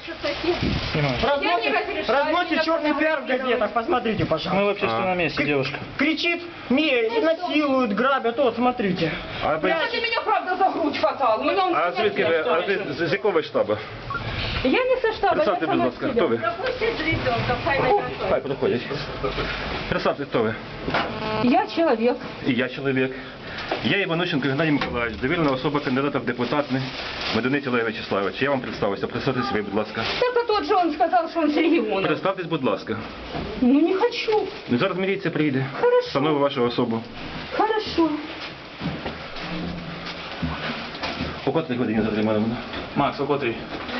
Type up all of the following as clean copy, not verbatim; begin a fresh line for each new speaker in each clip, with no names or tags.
Разносит черный пиар в газетах, посмотрите, пожалуйста.
Мы в общественном месте, девушка.
Кричит, насилуют, грабят, вот, смотрите.
А
Ти мене правда за грудь хватав.
звідки ви, з якого штабу?
Я не со штаба, я
Представте, будь
сама
ласка,
себе.
хто ви?
Пропустіть з ребенком, хай не
Хай підходять. Представте, хто ви?
Я чоловік.
І я чоловік. Я Іванущенко Геннадій Миколаївич, довірена особа кандидата в депутати Медуниця Олега Вячеславовича. Я вам представився. Представтесь ви, будь ласка.
Так а тот же он сказал, что он с региона.
Представтесь, будь ласка.
Ну не хочу.
Ну, зараз міліція прийде.
Хорошо.
Встановить вашу особу.
Хорошо.
У котрій годині затримали мене?
Макс, у котрій?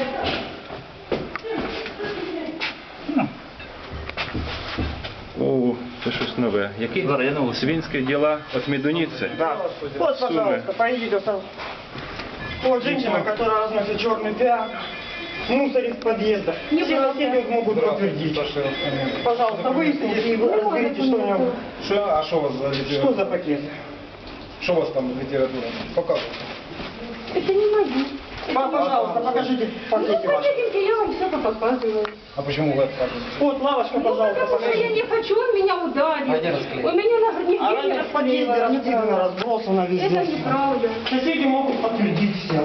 О, це щось нове. Які?
Зараз я нову.
Свинські діла від Медуниці.
Да. Вот, пожалуйста, поедете сам. Вот женщина, которая разносит черный пиар, мусор из подъезда. Все соседи могут подтвердить. Пожалуйста, выясните и вы разберите, что у него.
А что у вас за литература?
Что за пакет?
Что у вас там литература? Показывайте.
Это не мои.
Пожалуйста, покажите пакеты
Ну,
ваши.
пойдемте, я вам все показываю.
А почему вы отказываетесь?
Вот, лавочка, пожалуйста,
Потому что я
покажите.
не хочу, он меня ударил. У меня на груднике
Она не в подъезде раскидана, разбросана
Это
везде.
неправда.
Соседи могут подтвердить все.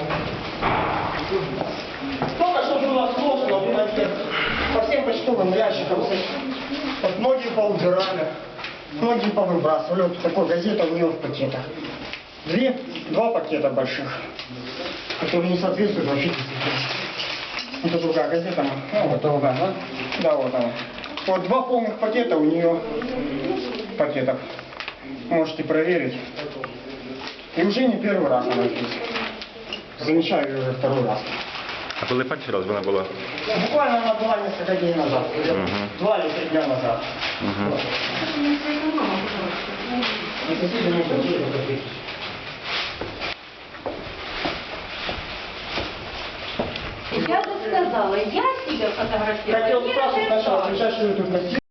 Только что было сложно в подъезд. По всем почтовым ящикам. Вот многие поубирали, многие повыбрасывали. Вот такой газета у нее в пакетах. Два пакета больших, которые не соответствуют вообще. Это другая газета. Ну, вот другая, да? Да, вот она. Вот два полных пакета у нее пакетов. Можете проверить. И уже не первый раз она здесь. Замечаю ее уже второй раз.
А коли перший раз вона була?
Буквально она была несколько дней назад. 2 или 3 дня назад. Вот. И соседи не хотели подтвердить.
Я же сказала, я себя фотографирую.
Хотел спрашивать сначала, сейчас что вы тут носили?